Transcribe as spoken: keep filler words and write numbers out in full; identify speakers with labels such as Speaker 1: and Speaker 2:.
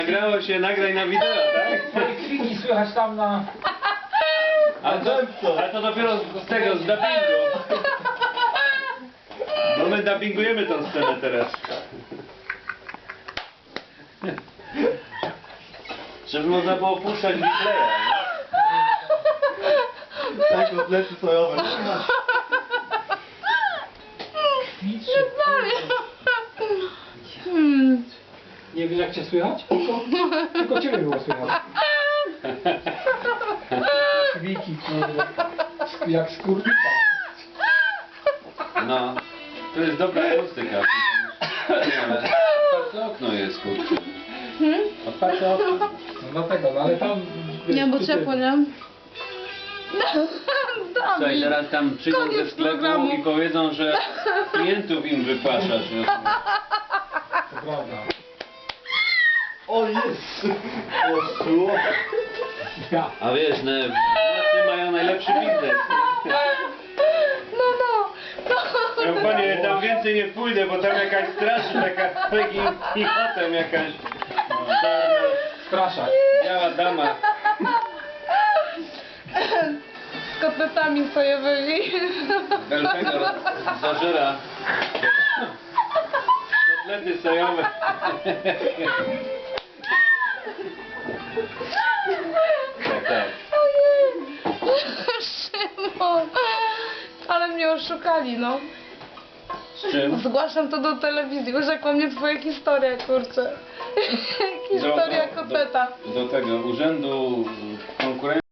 Speaker 1: Nagrało się, nagraj na wideo, tak?
Speaker 2: Twoje krzyki słychać tam na...
Speaker 1: A to, a to dopiero z tego, z dubbingu. Bo my dubbingujemy tą scenę teraz. Żeby można było puszczać replaya.
Speaker 3: Tak, kotlety sojowe.
Speaker 2: Kwitrzy.
Speaker 4: Hmm.
Speaker 2: Nie wiesz jak cię słychać? Tylko, tylko ciebie było słychać. Kwiki, kurde. Jak skurwica.
Speaker 1: No, to jest dobra akustyka. Ale otwarte okno jest, kurczę.
Speaker 4: Hmm?
Speaker 1: Otwarte okno.
Speaker 2: No dlatego, no ale tam...
Speaker 4: Nie, bo
Speaker 2: ty-
Speaker 4: ciepło, nie?
Speaker 1: Słuchaj,
Speaker 4: Dawid.
Speaker 1: teraz tam przyjdą ze
Speaker 4: Koniec
Speaker 1: sklepu
Speaker 4: programu.
Speaker 1: i powiedzą, że klientów im wypłaszasz.
Speaker 2: To prawda.
Speaker 3: O jest! O słowo.
Speaker 2: Ja.
Speaker 1: A wiesz, ne, w nocy mają najlepszy biznes.
Speaker 4: No, no. no.
Speaker 1: Ja panie, tam więcej nie pójdę, bo tam jakaś straż, taka Peggy i potem jakaś czarna,
Speaker 2: Straszak.
Speaker 1: biała dama.
Speaker 4: Z kotletami sojowymi.
Speaker 1: Belfego zażera kotlety sojowe. Tak, tak.
Speaker 4: Ojej. Szymon. Ale mnie oszukali, no.
Speaker 1: Z czym?
Speaker 4: Zgłaszam to do telewizji. Urzekła mnie twoja historia, kurczę. Historia
Speaker 1: Do- do-
Speaker 4: kotleta.
Speaker 1: Do tego urzędu konkurencji.